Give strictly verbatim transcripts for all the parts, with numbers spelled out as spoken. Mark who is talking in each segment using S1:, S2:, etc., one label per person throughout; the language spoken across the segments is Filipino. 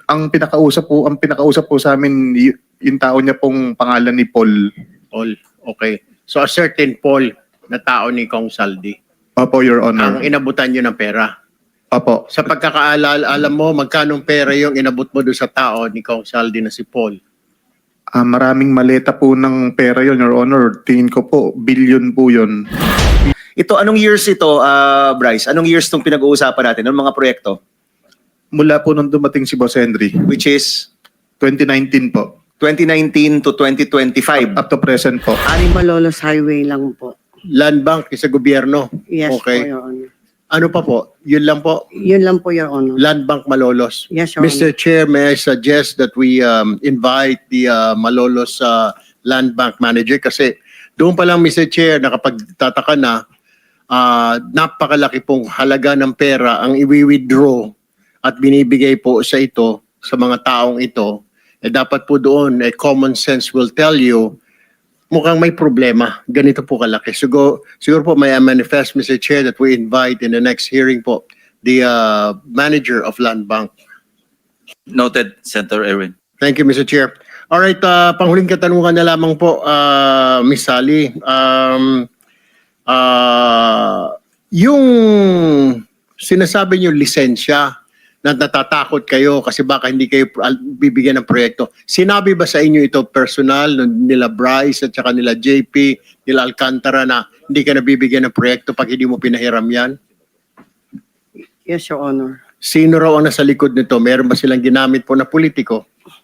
S1: Ang pinakausap po, ang pinakausap po sa amin y- yung tao niya pong pangalan ni Paul.
S2: Paul, okay. So a certain Paul na tao ni Kong Saldi,
S1: Opo, Your Honor.
S2: ang inabutan nyo ng pera.
S1: Opo.
S2: Sa pagkakaalala, alam mo, magkanong pera yung inabot mo doon sa tao ni Kong Saldi na si Paul?
S1: Ah, maraming maleta po ng pera yon, Your Honor. Tingin ko po, billion po yon.
S3: Ito, anong years ito, ah, Bryce? Anong years itong pinag-uusapan natin? Anong mga proyekto?
S1: Mula po nung dumating si Boss Henry,
S3: Which is
S1: twenty nineteen po.
S3: twenty nineteen to twenty twenty-five.
S1: Up to present po.
S4: Ani Malolos Highway lang po.
S2: Land Bank sa gobyerno.
S4: Yes
S2: Okay.
S4: po, Your Honor.
S2: Ano pa po? Yun lang po.
S4: Yun lang po, Your Honor.
S2: Land Bank Malolos.
S4: Yes, Your
S2: Mister
S4: Honor.
S2: Chair, may I suggest that we um, invite the uh, Malolos uh, Land Bank Manager kasi doon pa lang, Mister Chair, nakapagtataka na uh, napakalaki pong halaga ng pera ang iwi-withdraw at binibigay po sa ito, sa mga taong ito. Eh, dapat po doon, eh, common sense will tell you mukhang may problema. Ganito po kalaki. Siguro, siguro po may manifest, Mister Chair, that we invite in the next hearing po the uh, manager of Land Bank.
S5: Noted, Senator Erwin.
S2: Thank you, Mister Chair. All right, uh, panghuling katanungan na lamang po, uh, Miss Sally. Um, uh, yung sinasabi niyo lisensya na natatakot kayo kasi baka hindi kayo al- bibigyan ng proyekto. Sinabi ba sa inyo ito personal n- nila Bryce at saka nila J P, nila Alcantara na hindi ka nabibigyan ng proyekto pag hindi mo pinahiram yan?
S4: Yes, Your Honor.
S2: Sino raw ang nasa likod nito? Meron ba silang ginamit po na politiko?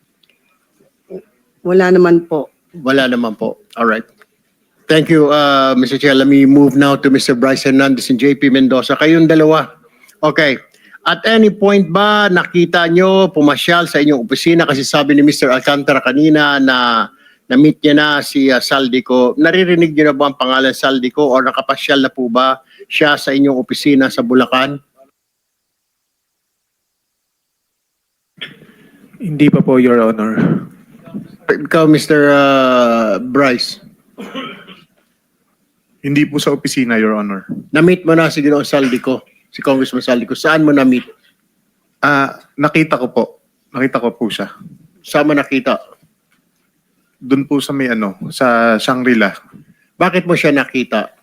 S4: Wala naman po.
S2: Wala naman po. All right. Thank you, uh, Mister Chair. Let me move now to Mister Bryce Hernandez and J P Mendoza. Kayong dalawa. Okay. At any point ba nakita nyo pumasyal sa inyong opisina kasi sabi ni Mister Alcantara kanina na na-meet niya na si uh, Saldico. Naririnig niyo na ba ang pangalan Saldico or nakapasyal na po ba siya sa inyong opisina sa Bulacan?
S6: Hindi pa po, Your Honor.
S2: Ikaw, Mister Uh, Bryce,
S1: Hindi po sa opisina, Your Honor.
S2: na-meet mo na si Ginoong Saldico, si Congressman Saldico. Saan mo na-meet?
S1: Ah, nakita ko po. Nakita ko po siya.
S2: Saan mo nakita?
S1: Doon po sa may ano, sa Shangri-La.
S2: Bakit mo siya nakita?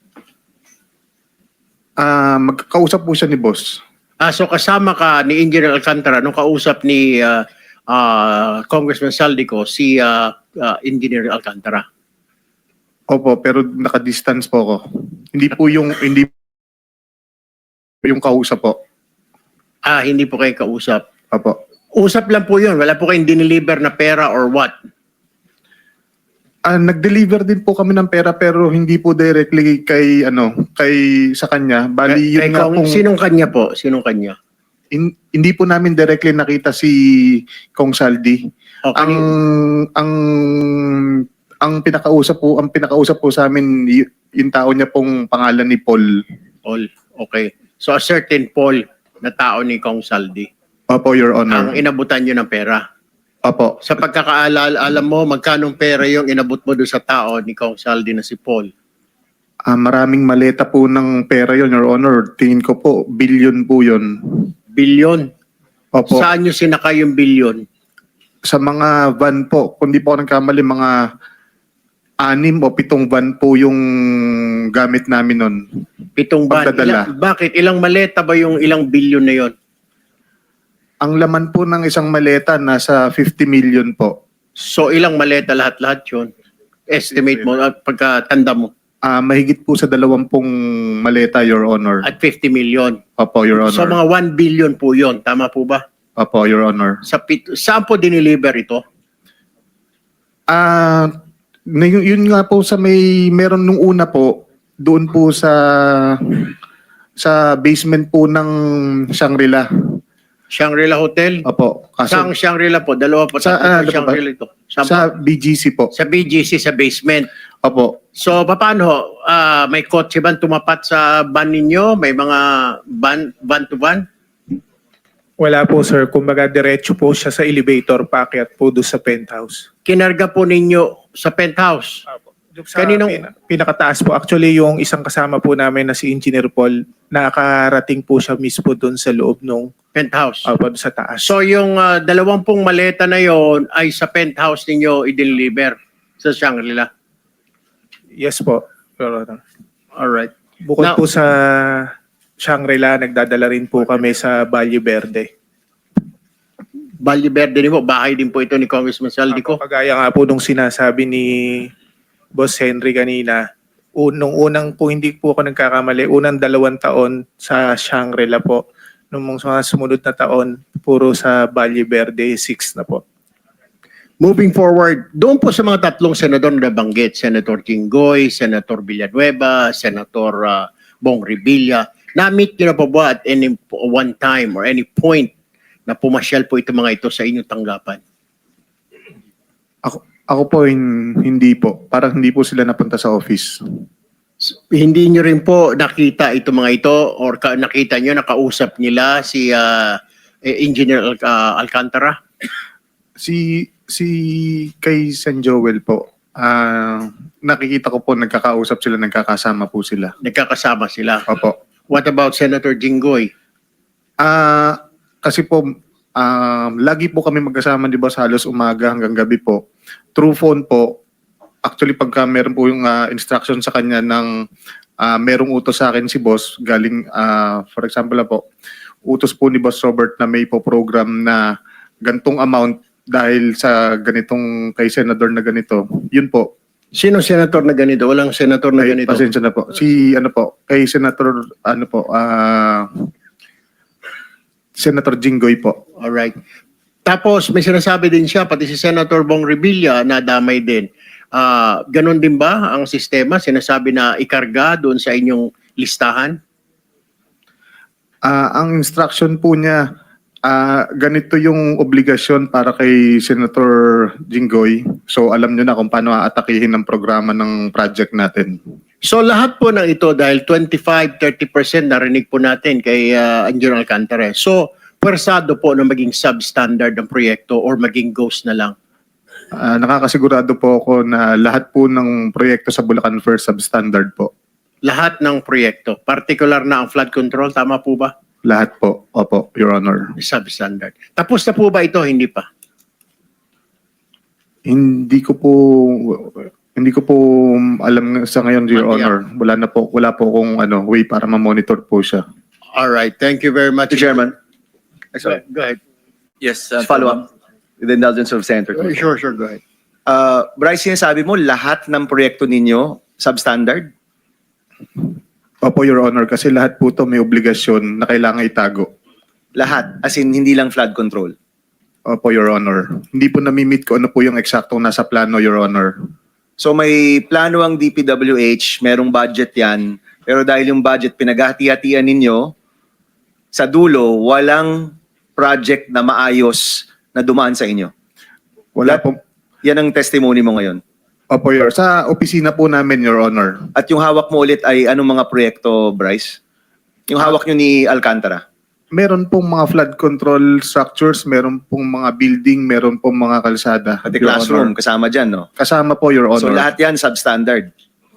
S1: Ah, magkakausap po siya ni Boss.
S2: Ah, so kasama ka ni Engineer Alcantara nung kausap ni uh, uh, Congressman Saldico si uh, uh, Engineer Alcantara.
S1: Opo, pero naka-distance po ako. Hindi po yung hindi yung kausap po.
S2: Ah, hindi po kayo kausap.
S1: Opo.
S2: Usap lang po yun. Wala po kayong diniliver na pera or what?
S1: Ah, nag-deliver din po kami ng pera pero hindi po directly kay ano, kay sa kanya. Bali
S2: Kay-
S1: yun
S2: kay
S1: nga
S2: Kong-
S1: pong
S2: Sinong kanya po? Sinong kanya?
S1: hin- hindi po namin directly nakita si Kong Saldi.
S2: O,
S1: Ang
S2: kani-
S1: ang ang pinakausap po, ang pinakausap po sa amin y- yung tao niya pong pangalan ni Paul.
S2: Paul. Okay. So a certain Paul na tao ni Kong Saldi,
S1: Opo, Your Honor.
S2: ang inabutan nyo ng pera.
S1: Opo.
S2: Sa pagkakaalala, alam mo, magkanong pera yung inabot mo doon sa tao ni Kong Saldi na si Paul?
S1: Ah, maraming maleta po ng pera yon, Your Honor. Tingin ko po, billion po yon.
S2: Bilyon.
S1: Opo.
S2: Saan nyo sinakay yung bilyon?
S1: Sa mga van po, kung di po ako nagkamali, mga anim o pitong van po yung gamit namin nun.
S2: Pitong ban.
S1: Pagdadala.
S2: Ilang, bakit? Ilang maleta ba yung ilang bilyon na yon?
S1: Ang laman po ng isang maleta nasa fifty million po.
S2: So ilang maleta lahat-lahat yun? Estimate mo at pagkatanda mo
S1: Ah, mahigit po sa dalawampung maleta, Your Honor.
S2: at fifty million.
S1: Opo, Your Honor.
S2: So mga one billion po yon. Tama po ba?
S1: Opo, Your Honor.
S2: Sa pit saan po diniliver ito?
S1: Ah, na yun, yun nga po sa may meron nung una po doon po sa sa basement po ng Shangri-La.
S2: Shangri-La Hotel?
S1: Opo.
S2: Saan
S1: Kaso,
S2: Shangri-La po? Dalawa po.
S1: Sa-
S2: Sa,
S1: ano po ba?
S2: Shangri-La ito. Saan po?
S1: sa B G C po.
S2: Sa B G C, sa basement.
S1: Opo.
S2: So, paano? Ah, may kotse ba tumapat sa van ninyo? May mga van, van to van?
S6: Wala po, sir. Kumbaga, diretso po siya sa elevator, paakyat po doon sa penthouse.
S2: Kinarga po ninyo sa penthouse?
S6: Apo. Yung sa
S2: Kaninong-
S6: pina- pinakataas po, actually yung isang kasama po namin na si Engineer Paul, nakarating po siya mismo doon sa loob nung
S2: Penthouse.
S6: uh, doon sa taas.
S2: So yung uh, dalawampung maleta na yon ay sa penthouse ninyo i-deliver sa Shangri-La.
S6: Yes po, Your Honor.
S2: Alright.
S6: Bukod
S2: Now-
S6: po sa Shangri-La, nagdadala rin po kami sa Valle Verde.
S2: Valle Verde din po, bahay din po ito ni Congressman Saldico.
S6: Ako, kagaya nga po nung sinasabi ni Boss Henry kanina, un- nung unang po, hindi po ako nagkakamali, unang dalawang taon sa Shangri-La po. Nung mga sumunod na taon, puro sa Valle Verde, six na po.
S2: Moving forward, doon po sa mga tatlong senador na nabanggit, Senator Jinggoy, Senator Villanueva, Senator uh, Bong Revilla, na-meet nyo na po ba at any one time or any point na pumasyal po ito mga ito sa inyong tanggapan?
S1: Ako, ako po hin- hindi po. Parang hindi po sila napunta sa office.
S2: Hindi nyo rin po nakita ito mga ito or ka, nakita nyo, nakausap nila si uh, Engineer Al- uh, Alcantara?
S1: Si si kay San Joel po, ah, nakikita ko po nagkakausap sila, nagkakasama po sila.
S2: Nagkakasama sila.
S1: Opo.
S2: What about Senator Jinggoy?
S1: Ah, kasi po um, lagi po kami magkasama, 'di ba, sa halos umaga hanggang gabi po. Through phone po. Actually pagka meron po yung ah, instruction sa kanya ng ah, merong utos sa akin si boss galing ah, for example na po, utos po ni Boss Robert na may po program na gantong amount dahil sa ganitong kay senador na ganito. Yun po.
S2: Sino senator na ganito? Walang senator na
S1: Ay,
S2: ganito.
S1: pasensya na po. Si ano po, kay Senator ano po, ah Senator Jinggoy po.
S2: Alright. Tapos may sinasabi din siya, pati si Senator Bong Revilla na damay din. Ah, ganon din ba ang sistema? Sinasabi na ikarga doon sa inyong listahan?
S1: Ah, ang instruction po niya, ah ganito yung obligasyon para kay Senator Jinggoy. So alam niyo na kung paano aatakihin ang programa ng project natin.
S2: So lahat po ng ito dahil twenty-five to thirty percent narinig po natin kay uh, Engineer Alcantara. So pwersado po na maging substandard ang proyekto or maging ghost na lang.
S1: Ah, nakakasigurado po ako na lahat po ng proyekto sa Bulacan First substandard po.
S2: Lahat ng proyekto, particular na ang flood control, tama po ba?
S1: Lahat po. Opo, Your Honor.
S2: Substandard. Tapos na po ba ito? Hindi pa.
S1: Hindi ko po hindi ko po alam sa ngayon, Your
S2: Matiyak.
S1: Honor. Wala na po, wala po kung ano way para ma-monitor po siya.
S2: All right. Thank you very much.
S3: Mister Chairman,
S2: Go, go ahead.
S5: Yes,
S3: just
S5: Senator
S3: follow
S5: Bam.
S3: up with the indulgence of Senator
S2: Uh,
S3: Tulfo.
S2: Sure, sure. Go ahead.
S3: Uh, Bryce, sinasabi mo lahat ng proyekto ninyo substandard?
S1: Opo, Your Honor, kasi lahat po to may obligasyon na kailangan itago.
S3: Lahat, as in hindi lang flood control.
S1: Opo, Your Honor. Hindi po nami-meet ko ano po yung eksaktong nasa plano, Your Honor.
S3: So may plano ang D P W H, merong budget yan, pero dahil yung budget pinaghati-hatian ninyo, sa dulo, walang project na maayos na dumaan sa inyo.
S1: Wala po.
S3: Yan ang testimony mo ngayon.
S1: Opo, Your Sa opisina po namin, Your Honor.
S3: At yung hawak mo ulit ay anong mga proyekto, Bryce? Yung hawak nyo ni Alcantara?
S1: Meron pong mga flood control structures, meron pong mga building, meron pong mga kalsada.
S3: Pati
S1: Your
S3: classroom,
S1: Honor.
S3: kasama dyan, no?
S1: Kasama po, Your Honor.
S3: So lahat yan substandard.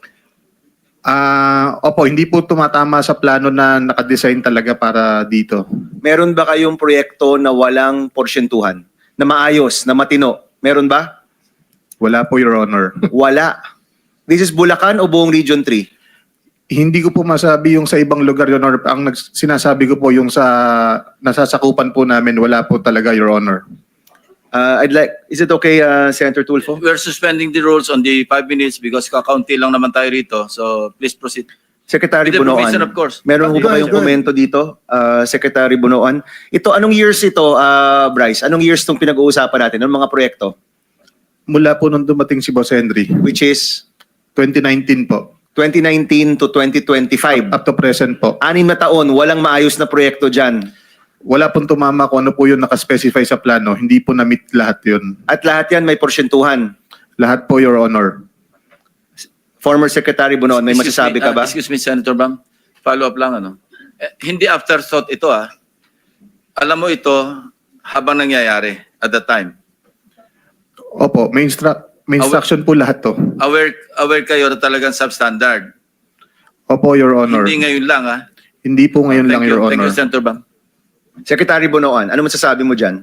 S1: Ah, opo, hindi po tumatama sa plano na nakadesign talaga para dito.
S3: Meron ba kayong proyekto na walang porsyentuhan? Na maayos, na matino? Meron ba?
S1: Wala po, Your Honor.
S3: Wala. This is Bulacan o buong Region three?
S1: Hindi ko po masabi yung sa ibang lugar, Your Honor. Ang nags- sinasabi ko po yung sa nasasakupan po namin, wala po talaga, Your Honor.
S3: Uh, I'd like, is it okay, uh, Senator Tulfo?
S5: We're suspending the rules on the five minutes because kakaunti lang naman tayo rito. So please proceed.
S3: Secretary
S5: With the permission,
S3: Bunoan.
S5: of course.
S3: Meron ho
S2: Go
S3: ba
S2: ahead,
S3: kayong
S2: go ahead.
S3: komento dito, uh, Secretary Bunoan? Ito, anong years ito, uh, Bryce? Anong years itong pinag-uusapan natin? Anong mga proyekto?
S1: Mula po nung dumating si Boss Henry,
S3: Which is
S1: twenty nineteen po,
S3: twenty nineteen to twenty twenty-five.
S1: up to present po.
S3: Anim na taon, walang maayos na proyekto dyan.
S1: Wala pong tumama kung ano po yung nakaspecify sa plano. Hindi po na-meet lahat yun.
S3: At lahat yan may porsyentuhan.
S1: Lahat po, Your Honor.
S3: Former Secretary Bunoan, may
S5: Excuse
S3: masasabi
S5: me,
S3: ka
S5: uh,
S3: ba?
S5: excuse me, Senator Bam. Follow up lang, ano. Eh, hindi afterthought ito, ah. Alam mo ito habang nangyayari at the time.
S1: Opo, may, instru- May instruction po lahat to.
S5: Aware, aware kayo na talagang substandard.
S1: Opo, Your Honor.
S5: Hindi ngayon lang, ha?
S1: Hindi po ngayon
S5: Thank
S1: lang,
S5: you.
S1: Your
S5: Thank
S1: Honor.
S5: you, Senator Bang.
S3: Secretary Bonoan, ano masasabi mo dyan?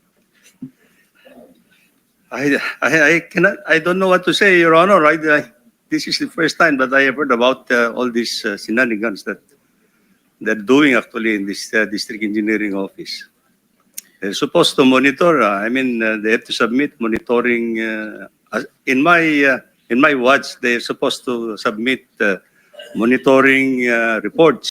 S7: I, I, I cannot, I don't know what to say, Your Honor. I, I, this is the first time that I have heard about uh, all these uh, shenanigans that they're doing actually in this uh, district engineering office. They're supposed to monitor. Uh, I mean, uh, they have to submit monitoring. Uh, as- in my uh, in my watch, they're supposed to submit uh, monitoring uh, reports.